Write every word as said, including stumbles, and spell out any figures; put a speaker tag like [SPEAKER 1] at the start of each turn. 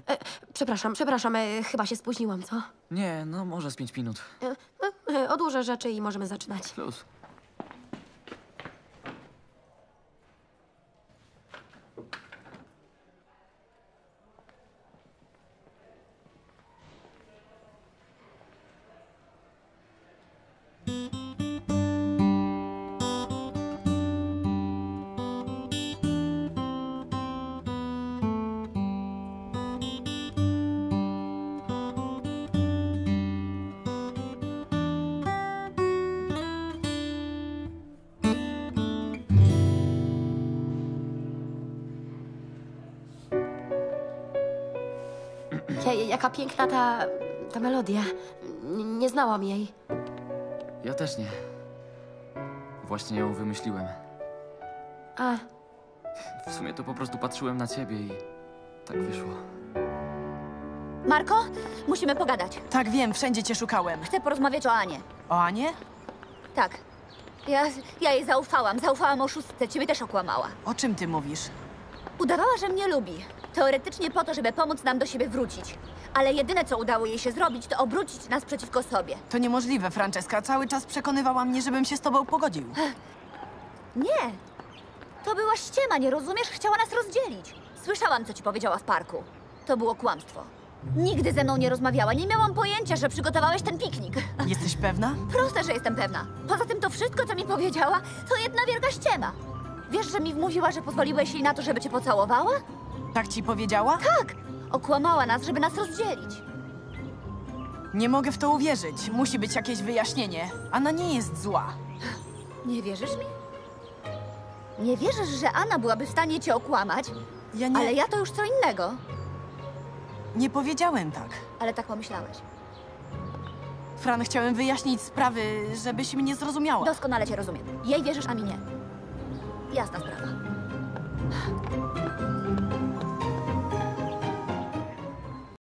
[SPEAKER 1] E, przepraszam, przepraszam, e, chyba się spóźniłam, co?
[SPEAKER 2] Nie, no może z pięć minut.
[SPEAKER 1] E, e, odłożę rzeczy i możemy zaczynać.
[SPEAKER 2] Plus.
[SPEAKER 1] Ja, jaka piękna ta, ta melodia. N nie znałam jej.
[SPEAKER 2] Ja też nie. Właśnie ją wymyśliłem.
[SPEAKER 1] A,
[SPEAKER 2] W sumie to po prostu patrzyłem na ciebie i tak wyszło.
[SPEAKER 3] Marko, musimy pogadać.
[SPEAKER 4] Tak, wiem, wszędzie cię szukałem.
[SPEAKER 3] Chcę porozmawiać o Anie.
[SPEAKER 4] O Anie?
[SPEAKER 3] Tak. Ja, ja jej zaufałam. Zaufałam oszustce. Ciebie też okłamała.
[SPEAKER 4] O czym ty mówisz?
[SPEAKER 3] Udawała, że mnie lubi. Teoretycznie po to, żeby pomóc nam do siebie wrócić. Ale jedyne, co udało jej się zrobić, to obrócić nas przeciwko sobie.
[SPEAKER 4] To niemożliwe, Franceska. Cały czas przekonywała mnie, żebym się z tobą pogodził.
[SPEAKER 3] Nie. To była ściema, nie rozumiesz? Chciała nas rozdzielić. Słyszałam, co ci powiedziała w parku. To było kłamstwo. Nigdy ze mną nie rozmawiała. Nie miałam pojęcia, że przygotowałeś ten piknik.
[SPEAKER 4] Jesteś pewna?
[SPEAKER 3] Proste, że jestem pewna. Poza tym to wszystko, co mi powiedziała, to jedna wielka ściema. Wiesz, że mi wmówiła, że pozwoliłeś jej na to, żeby cię pocałowała?
[SPEAKER 4] Tak ci powiedziała?
[SPEAKER 3] Tak! Okłamała nas, żeby nas rozdzielić.
[SPEAKER 4] Nie mogę w to uwierzyć. Musi być jakieś wyjaśnienie. Anna nie jest zła.
[SPEAKER 3] Nie wierzysz mi? Nie wierzysz, że Anna byłaby w stanie cię okłamać?
[SPEAKER 4] Ja nie...
[SPEAKER 3] Ale ja to już co innego.
[SPEAKER 4] Nie powiedziałem tak.
[SPEAKER 3] Ale tak pomyślałeś.
[SPEAKER 4] Fran, chciałem wyjaśnić sprawy, żebyś mnie zrozumiała.
[SPEAKER 3] Doskonale cię rozumiem. Jej wierzysz, a mi nie. Jasna sprawa.